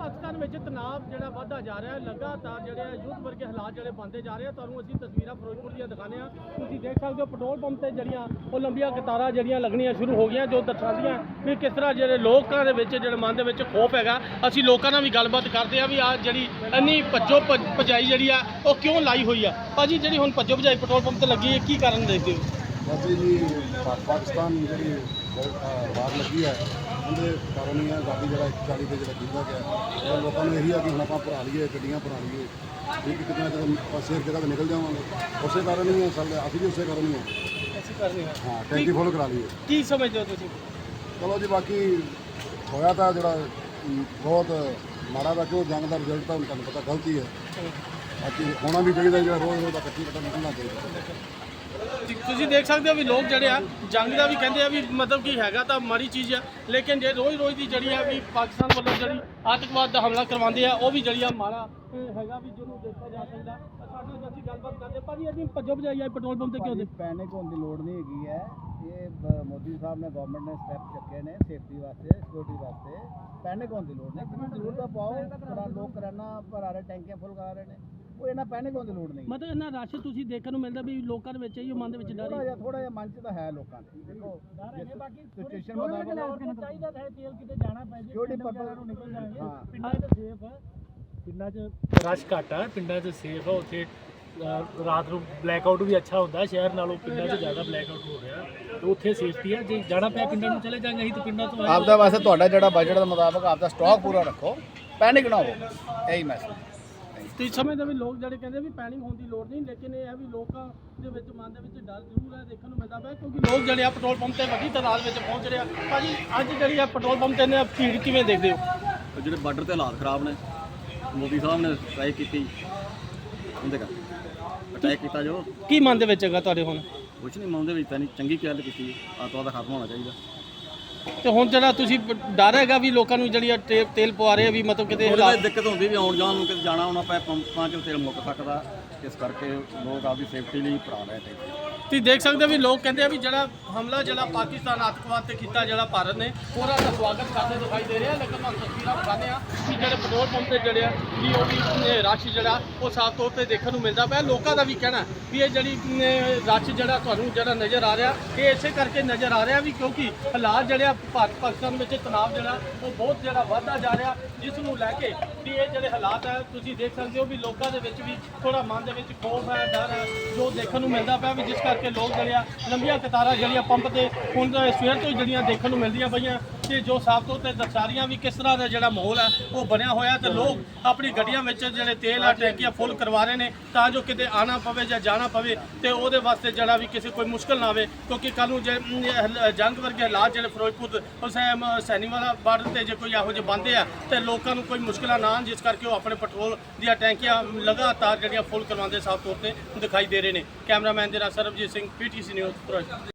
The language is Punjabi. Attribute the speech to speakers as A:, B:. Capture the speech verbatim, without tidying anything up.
A: ਪਾਕਿਸਤਾਨ ਵਿੱਚ ਤਣਾਅ ਜਿਹੜਾ ਵਧਦਾ ਜਾ ਰਿਹਾ ਹੈ, ਲਗਾਤਾਰ ਜਿਹੜੇ ਯੁੱਧ ਵਰਗੇ ਹਾਲਾਤ ਜਿਹੜੇ ਬਣਦੇ ਜਾ ਰਹੇ ਆ। ਤੁਹਾਨੂੰ ਅਸੀਂ ਤਸਵੀਰਾਂ ਫਿਰੋਜ਼ਪੁਰ ਦੀਆਂ ਦਿਖਾਉਂਦੇ ਹਾਂ। ਤੁਸੀਂ ਦੇਖ ਸਕਦੇ ਹੋ ਪੈਟਰੋਲ ਪੰਪ ਤੇ ਜਿਹੜੀਆਂ ਉਹ ਲੰਬੀਆਂ ਕਤਾਰਾਂ ਜਿਹੜੀਆਂ ਲੱਗਣੀਆਂ ਸ਼ੁਰੂ ਹੋ ਗਈਆਂ, ਜੋ ਦਰਸਾਉਂਦੀਆਂ ਵੀ ਕਿਸ ਤਰ੍ਹਾਂ ਜਿਹੜੇ ਲੋਕਾਂ ਦੇ ਵਿੱਚ ਜਿਹੜੇ ਮਨ ਦੇ ਵਿੱਚ ਖੋਫ ਹੈਗਾ। ਅਸੀਂ ਲੋਕਾਂ ਨਾਲ ਵੀ ਗੱਲਬਾਤ ਕਰਦੇ ਆ ਵੀ ਆ ਜਿਹੜੀ ਇੰਨੀ ਭੱਜੋ ਭੱਜ- ਭਜਾਈ ਜਿਹੜੀ ਆ ਉਹ ਕਿਉਂ ਲਾਈ ਹੋਈ ਆ। ਭਾਜੀ ਜਿਹੜੀ ਹੁਣ ਭੱਜੋ ਭਜਾਈ ਪੈਟਰੋਲ ਪੰਪ ਤੇ ਲੱਗੀ ਹੈ, ਕੀ ਕਾਰਨ ਦੇਖਦੇ ਹੋ?
B: ਬਾਬੇ ਜੀ ਪਾ- ਪਾਕਿਸਤਾਨ ਜਿਹੜੀ ਵਾਰ ਲੱਗੀ ਹੈ ਉਹਦੇ ਕਾਰਨ ਹੀ ਹੈ ਗਾਡੀ ਜਿਹੜਾ ਇੱਕ ਚਾਲੀ ਤੇ ਜਿਹੜਾ ਕੀਤਾ ਗਿਆ। ਔਰ ਲੋਕਾਂ ਨੂੰ ਇਹੀ ਆ ਕਿ ਹੁਣ ਆਪਾਂ ਭਰਾ ਲਈਏ, ਗੱਡੀਆਂ ਭਰਾ ਲਈਏ, ਠੀਕ ਕਿਤੇ ਜਦੋਂ ਆਪਾਂ ਸੇਫ ਜਗ੍ਹਾ ਤੇ ਨਿਕਲ ਜਾਵਾਂਗੇ। ਉਸੇ ਕਾਰਨ ਹੀ ਹੈ ਸਰ, ਅਸੀਂ ਵੀ ਉਸੇ ਕਾਰਨ ਹੀ ਹਾਂ
A: ਅਸੀਂ ਕਰਦੇ ਹਾਂ
B: ਹਾਂ ਟੈਂਕੀ ਫੁੱਲ ਕਰਾ ਲਈਏ।
A: ਕੀ ਸਮਝਦੇ ਹੋ ਤੁਸੀਂ?
B: ਚਲੋ ਜੀ, ਬਾਕੀ ਹੋਇਆ ਤਾਂ ਜਿਹੜਾ ਅਮ, ਬਹੁਤ ਮਾੜਾ ਦਾ ਕਿਉਂ ਜੰਗ ਦਾ ਰਿਜ਼ਲਟ ਤਾਂ ਹੁਣ ਤੁਹਾਨੂੰ ਪਤਾ ਗਲਤੀ ਹੈ। ਬਾਕੀ ਹੋਣਾ ਵੀ ਚਾਹੀਦਾ, ਜਿਹੜਾ ਰੋਜ਼ ਰੋਜ਼ ਦਾ ਕੱਟੀ ਕੱਟਾ ਨਿਕਲਣਾ ਚਾਹੀਦਾ।
A: ਤੁਸੀਂ ਦੇਖ ਸਕਦੇ ਹੋ ਵੀ ਲੋਕ ਜਿਹੜੇ ਆ ਜੰਗ ਦਾ ਵੀ ਕਹਿੰਦੇ ਆ ਵੀ ਮਤਲਬ ਕੀ ਹੈਗਾ ਤਾਂ ਮਾੜੀ ਚੀਜ਼ ਆ, ਲੇਕਿਨ ਜੇ ਰੋਜ਼ ਰੋਜ਼ ਦੀ ਜਿਹੜੀ ਆ ਵੀ ਪਾਕਿਸਤਾਨ ਵੱਲੋਂ ਜਿਹੜੀ ਆਤੰਕਵਾਦ ਦਾ ਹਮਲਾ ਕਰਵਾਉਂਦੇ ਆ ਉਹ ਵੀ ਜਿਹੜੀ ਆ ਮਾੜਾ ਅਹ, ਹੈਗਾ ਵੀ ਜਿਹਨੂੰ ਦੇਖਿਆ ਜਾ ਸਕਦਾ। ਸਾਡੇ ਨਾਲ ਅਸੀਂ ਗੱਲਬਾਤ ਕਰਦੇ ਭਾਜੀ, ਅਸੀਂ ਭੱਜੋ ਭਜਾਈ ਆ ਪੈਟਰੋਲ ਪੰਪ ਤੇ ਕਿਉਂ ਦੇ?
C: ਪੈਨਿਕ ਹੋਣ ਦੀ ਲੋੜ ਨਹੀਂ ਹੈਗੀ ਹੈ। ਇਹ ਬ- ਮੋਦੀ ਸਾਹਿਬ ਨੇ ਗਵਰਨਮੈਂਟ ਨੇ ਸਟੈਪ ਚੱਕੇ ਨੇ ਸੇਫਟੀ ਵਾਸਤੇ, ਸਿਕਿਉਰਿਟੀ ਵਾਸਤੇ। ਪੈਨਿਕ ਹੋਣ ਦੀ ਲੋੜ ਨਹੀਂ, ਜਿਹਨੂੰ ਜ਼ਰੂਰਤ ਆ ਪਾਓ। ਪਰ ਲੋਕ ਕਰਾਨਾ ਭਰਾ ਰਹੇ, ਟੈਂਕੀਆਂ ਫੁੱਲ ਕਰਾ ਰਹੇ ਨੇ, ਉਹ ਇਹਨਾਂ ਪੈਨਿਕ ਹੋਣ ਦੀ ਲੋੜ ਨਹੀਂ।
A: ਮਤਲਬ ਇਹਨਾਂ ਰਸ਼ ਤੁਸੀਂ ਦੇਖਣ ਨੂੰ ਮਿਲਦਾ ਵੀ ਲੋਕਾਂ ਦੇ ਵਿੱਚ ਹੀ ਮਨ ਦੇ ਵਿੱਚ ਡਰ
C: ਥੋੜਾ ਜਿਹਾ ਥੋੜਾ ਜਿਹਾ ਮਨ 'ਚ ਤਾਂ ਹੈ ਲੋਕਾਂ ਦੇ। ਦੇਖੋ ਸਿਚੁਏਸ਼ਨ ਮੁਤਾਬਕ
A: ਚਾਹੀਦਾ ਹੈ ਤੇਲ ਕਿਤੇ ਜਾਣਾ ਪੈ ਜੇ
C: ਸਿਕਿਉਰਿਟੀ ਪਰਪਸ ਨੂੰ ਨਿਕਲ ਜਾਣਗੇ। ਹਾਂ
A: ਪਿੰਡਾਂ 'ਚ ਸੇਫ ਆ।
D: ਪਿੰਡਾਂ 'ਚ ਰਸ਼ ਘੱਟ ਆ, ਪਿੰਡਾਂ 'ਚ ਸੇਫ ਆ। ਉੱਥੇ ਅ, ਰਾਤ ਨੂੰ ਬਲੈਕ ਆਊਟ ਵੀ ਅੱਛਾ ਹੁੰਦਾ, ਸ਼ਹਿਰ ਨਾਲੋਂ ਪਿੰਡਾਂ 'ਚ ਜ਼ਿਆਦਾ ਬਲੈਕ ਆਊਟ ਹੋ ਰਿਹਾ। ਤੇ ਉੱਥੇ ਸੇਫਟੀ ਆ। ਜੇ ਜਾਣਾ ਪਿਆ ਪਿੰਡਾਂ ਨੂੰ ਚਲੇ ਜਾਵਾਂਗੇ ਅਸੀਂ ਤਾਂ ਪਿੰਡਾਂ ਤੋਂ।
C: ਆਪਦਾ ਵਾਸਤੇ ਤੁਹਾਡਾ ਜਿਹੜਾ ਬਜਟ ਦੇ ਮੁਤਾਬਕ ਆਪਦਾ ਸਟਾਕ ਪੂਰਾ ਰੱਖੋ, ਪੈਨਿਕ ਨਾ ਹੋ। ਇਹੀ ਮੈਸੇਜ।
A: ਤੇ ਸਮਝਦੇ ਵੀ ਲੋਕ ਜਿਹੜੇ ਕਹਿੰਦੇ ਵੀ ਪੈਨਿਕ ਹੋਣ ਦੀ ਲੋੜ ਨਹੀਂ, ਲੇਕਿਨ ਇਹ ਹੈ ਵੀ ਲੋਕਾਂ ਦੇ ਵਿੱਚ ਮਨ ਦੇ ਵਿੱਚ ਡਰ ਜ਼ਰੂਰ ਹੈ, ਦੇਖਣ ਨੂੰ ਮਿਲਦਾ ਪਿਆ। ਕਿਉਂਕਿ ਲੋਕ ਜਿਹੜੇ ਆ ਪੈਟਰੋਲ ਪੰਪ ਤੇ ਵੱਡੀ ਤਾਦਾਦ ਵਿੱਚ ਪਹੁੰਚ ਰਹੇ ਆ। ਭਾਜੀ ਅੱਜ ਜਿਹੜੀ ਆ ਪੈਟਰੋਲ ਪੰਪ ਤੇ ਨੇ ਭੀੜ ਕਿਵੇਂ ਦੇਖਦੇ ਹੋ?
E: ਜਿਹੜੇ ਬਾਰਡਰ ਤੇ ਹਾਲਾਤ ਖਰਾਬ ਨੇ, ਮੋਦੀ ਸਾਹਿਬ ਨੇ ਸਟ੍ਰਾਈਕ ਕੀਤੀ, ਉਹਦੇ ਕਰ ਅਟੈਕ ਕੀਤਾ ਜੋ
A: ਕੀ ਮਨ ਦੇ ਵਿੱਚ ਹੈਗਾ ਤੁਹਾਡੇ ਹੁਣ?
E: ਕੁਛ ਨਹੀਂ, ਮਨ ਦੇ ਵਿੱਚ ਤਾਂ ਨਹੀਂ, ਚੰਗੀ ਗੱਲ ਕੀਤੀ। ਆਤਵਾਦ ਦਾ ਖਤਮ ਹੋਣਾ ਚਾਹੀਦਾ।
A: ਤੇ ਹੁਣ ਜਿਹੜਾ ਤੁਸੀਂ ਡਰ ਹੈਗਾ ਵੀ ਲੋਕਾਂ ਨੂੰ ਜਿਹੜੀ ਆ ਟੇ- ਤੇਲ ਪਵਾ ਰਹੇ ਆ ਵੀ ਮਤਲਬ ਕਿਤੇ
E: ਉਹਦੇ
A: ਹਾਲਾਤ
E: ਵਿੱਚ ਦਿੱਕਤ ਹੁੰਦੀ ਵੀ ਆਉਣ ਜਾਣ ਨੂੰ ਕਿਤੇ ਜਾਣਾ ਆਉਣਾ ਪਏ, ਪੰਪਾਂ 'ਚ ਤੇਲ ਮੁੱਕ ਸਕਦਾ। ਇਸ ਕਰਕੇ ਲੋਕ ਆਪਦੀ ਸੇਫਟੀ ਲਈ ਭਰਾ ਰਹੇ ਟੈਂਕੀ।
A: ਤੁਸੀਂ ਦੇਖ ਸਕਦੇ ਹੋ ਵੀ ਲੋਕ ਕਹਿੰਦੇ ਆ ਵੀ ਜਿਹੜਾ ਹਮਲਾ ਜਿਹੜਾ ਪਾਕਿਸਤਾਨ ਆਤੰਕਵਾਦ ਤੇ ਕੀਤਾ ਜਿਹੜਾ ਭਾਰਤ ਨੇ, ਉਹਦਾ ਤਾਂ ਸਵਾਗਤ ਕਰਦੇ ਦਿਖਾਈ ਦੇ ਰਿਹਾ। ਲੇਕਿਨ ਤੁਹਾਨੂੰ ਤਸਵੀਰਾਂ ਦਿਖਾਉਂਦੇ ਆ ਕਿ ਜਿਹੜੇ ਪੈਟਰੋਲ ਪੰਪ ਤੇ ਜਿਹੜੇ ਆ ਵੀ ਉਹ ਵੀ ਰਸ਼ ਜਿਹੜਾ ਉਹ ਸਾਫ਼ ਤੌਰ ਤੇ ਦੇਖਣ ਨੂੰ ਮਿਲਦਾ ਪਿਆ। ਲੋਕਾਂ ਦਾ ਵੀ ਕਹਿਣਾ ਵੀ ਇਹ ਜਿਹੜੀ ਰਸ਼ ਜਿਹੜਾ ਤੁਹਾਨੂੰ ਜਿਹੜਾ ਨਜ਼ਰ ਆ ਰਿਹਾ, ਇਹ ਇਸੇ ਕਰਕੇ ਨਜ਼ਰ ਆ ਰਿਹਾ ਵੀ ਕਿਉਂਕਿ ਹਾਲਾਤ ਜਿਹੜੇ ਆ ਭਾਰਤ ਪਾਕਿਸਤਾਨ ਵਿੱਚ ਤਣਾਅ ਜਿਹੜਾ ਉਹ ਬਹੁਤ ਜਿਹੜਾ ਵੱਧਦਾ ਜਾ ਰਿਹਾ, ਜਿਸ ਨੂੰ ਲੈ ਕੇ ਵੀ ਇਹ ਜਿਹੜੇ ਹਾਲਾਤ ਹੈ ਤੁਸੀਂ ਦੇਖ ਸਕਦੇ ਹੋ ਵੀ ਲੋਕਾਂ ਦੇ ਵਿੱਚ ਵੀ ਥੋੜਾ ਮਨ ਦੇ ਵਿੱਚ ਖੌਫ ਹੈ, ਡਰ ਹੈ, ਜੋ ਦੇਖਣ ਨੂੰ ਮਿਲਦਾ ਪਿਆ ਵੀ ਜਿਸ ਕਰਕੇ ਲੋਕ ਜਿਹੜੇ ਆ ਲੰਬੀਆਂ ਕਤਾਰਾਂ ਜਿਹੜੀਆਂ ਪੰਪ ਤੇ ਹੁਣ ਸਵੇਰ ਤੋਂ ਹੀ ਜਿਹੜੀਆਂ ਦੇਖਣ ਨੂੰ ਮਿਲਦੀਆਂ ਪਈਆਂ ਤੇ ਜੋ ਸਾਫ਼ ਤੌਰ ਤੇ ਦਰਸਾ ਰਹੀਆਂ ਵੀ ਕਿਸ ਤਰ੍ਹਾਂ ਦਾ ਜਿਹੜਾ ਮਾਹੌਲ ਹੈ ਉਹ ਬਣਿਆ ਹੋਇਆ ਤੇ ਲੋਕ ਆਪਣੀ ਗੱਡੀਆਂ ਵਿੱਚ ਜਿਹੜੇ ਤੇਲ ਆ ਟੈਂਕੀਆਂ ਫੁੱਲ ਕਰਵਾ ਰਹੇ ਨੇ ਤਾਂ ਜੋ ਕਿਤੇ ਆਣਾ ਪਵੇ ਜਾਂ ਜਾਣਾ ਪਵੇ ਤੇ ਉਹਦੇ ਵਾਸਤੇ ਜਿਹੜਾ ਵੀ ਕਿਸੇ ਕੋਈ ਮੁਸ਼ਕਲ ਨਾ ਆਵੇ। ਕਿਉਂਕਿ ਕੱਲ੍ਹ ਨੂੰ ਜੇ ਅਮ, ਜੰਗ ਵਰਗੇ ਹਾਲਾਤ ਜਿਹੜੇ ਫਿਰੋਜ਼ਪੁਰ ਹੁਸੈਨ ਸੈਣੀ ਵਾਲਾ ਬਾਰਡਰ ਤੇ ਜੇ ਕੋਈ ਇਹੋ ਜਿਹੇ ਬੰਦੇ ਆ ਤੇ ਲੋਕਾਂ ਨੂੰ ਕੋਈ ਮੁਸ਼ਕਲਾਂ ਨਾ ਆਉਣ, ਜਿਸ ਕਰਕੇ ਉਹ ਆਪਣੇ ਪੈਟਰੋਲ ਦੀਆਂ ਟੈਂਕੀਆਂ ਲਗਾਤਾਰ ਜਿਹੜੀਆਂ ਫੁੱਲ ਕਰਵਾਉਂਦੇ ਸਾਫ਼ ਤੌਰ ਤੇ ਦਿਖਾਈ ਦੇ ਰਹੇ ਨੇ। ਕੈਮਰਾਮੈਨ ਦੇ ਨਾਲ ਸਰਬਜੀਤ ਸਿੰਘ, ਪੀਟੀਸੀ ਨਿਊਜ਼ ਫਿਰੋਜ਼ਪੁਰ।